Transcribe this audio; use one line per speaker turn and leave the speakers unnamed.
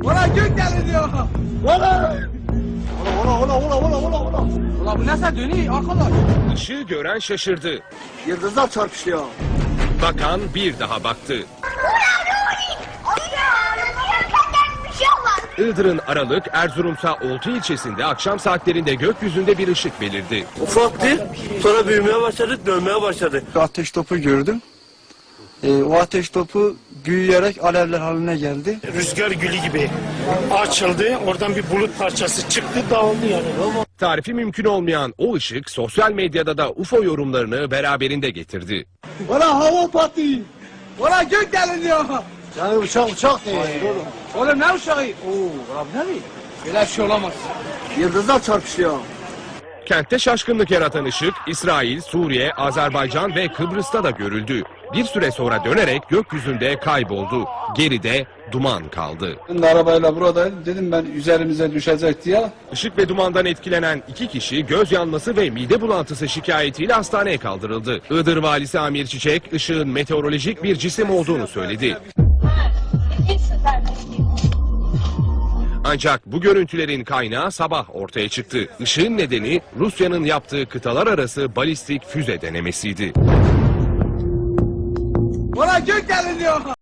Valla gök deliniyor.
Valla! Ola!
Valla bu nasıl dönüyor arkadaş?
Işığı gören şaşırdı.
Yıldızlar çarpışıyor.
Bakan bir daha baktı. Iğdır'ın Aralık, Erzurum'sa Oltu ilçesinde akşam saatlerinde gökyüzünde bir ışık belirdi.
Ufaktı, sonra büyümeye başladı, dönmeye başladı.
Ateş topu gördüm. O ateş topu büyüyerek alevler haline geldi.
Rüzgar gülü gibi açıldı. Oradan bir bulut parçası çıktı, dağıldı yani.
Tarifi mümkün olmayan o ışık sosyal medyada da UFO yorumlarını beraberinde getirdi.
Valla hava patlıyor.
Valla gök deliniyor.
Yani uçak değil oğlum.
Oğlum ne uşağı? Oo, abi ne mi? Böyle bir şey olamaz.
Yıldızlar çarpışıyor.
Kentte şaşkınlık yaratan ışık İsrail, Suriye, Azerbaycan ve Kıbrıs'ta da görüldü. Bir süre sonra dönerek gökyüzünde kayboldu. Geride duman kaldı.
Ben de arabayla buradaydım. Dedim ben üzerimize düşecek diye.
Işık ve dumandan etkilenen 2 kişi göz yanması ve mide bulantısı şikayetiyle hastaneye kaldırıldı. Iğdır Valisi Amir Çiçek, ışığın meteorolojik bir cisim olduğunu söyledi. Ancak bu görüntülerin kaynağı sabah ortaya çıktı. Işığın nedeni Rusya'nın yaptığı kıtalar arası balistik füze denemesiydi.
Valla gök deliniyor.